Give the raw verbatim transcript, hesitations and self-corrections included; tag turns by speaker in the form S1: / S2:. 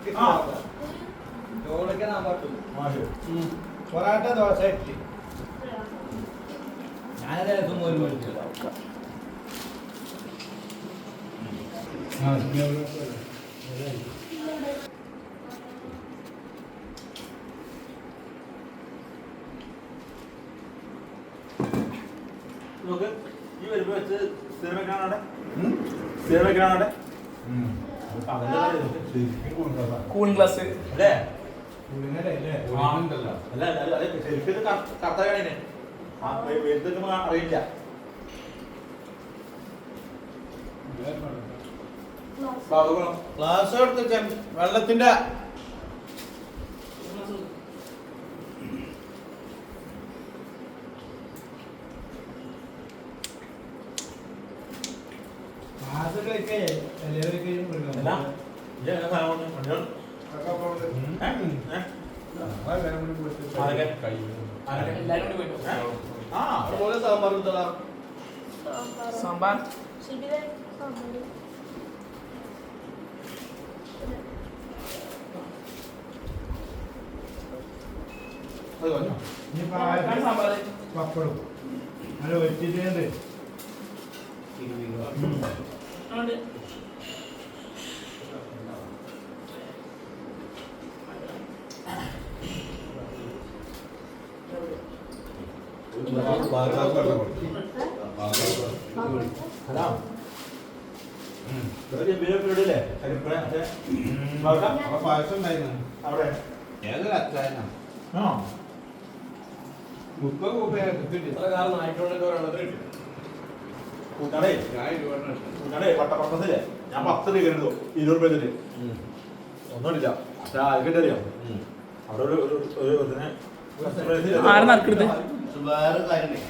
S1: പൊറാട്ട ദോശ ഇഡ്ഡലി ഞാനത് ദിവസം ഒരു മേടിച്ചില്ല
S2: നോക്ക് ഈ വരുമ്പോ വെച്ച് സ്ഥിരം വെക്കാനാടെ സ്ഥിരം വെക്കാനാടെ
S3: കൂളിംഗ് ഗ്ലാസ്
S2: അല്ലേ
S1: ഉണ്ടല്ലോ
S2: അല്ല അല്ല ശരിക്കും കർത്തവ്യാണ് ആ വെയിലത്തേക്ക് അറിയില്ല
S1: ക്ലാസ് എടുത്ത് വെള്ളത്തിന്റെ ക്ലാസ്സുകളൊക്കെ
S3: സാമ്പാർ സാമ്പാർ
S1: പപ്പടും നല്ല വെച്ചിട്ടുണ്ട് പായസം ഉണ്ടായിരുന്നു
S2: അവിടെ
S1: ഏതൊരു അച്ചായനാ മുപ്പത് രൂപ
S2: കൂട്ടാടേ കൂട്ടാടേ പട്ടപ്പറമ്പത്തില്ലേ ഞാൻ പത്ത് രൂപ കരുതോ ഇരുപത് രൂപ തരും ഒന്നുമില്ല പക്ഷെ ആർക്കിട്ട് അറിയാം അവിടെ ഒരു ഒരു ഇതിനെ
S3: ആരെ നറുക്കെടുത്ത്
S1: വേറെ കാര്യം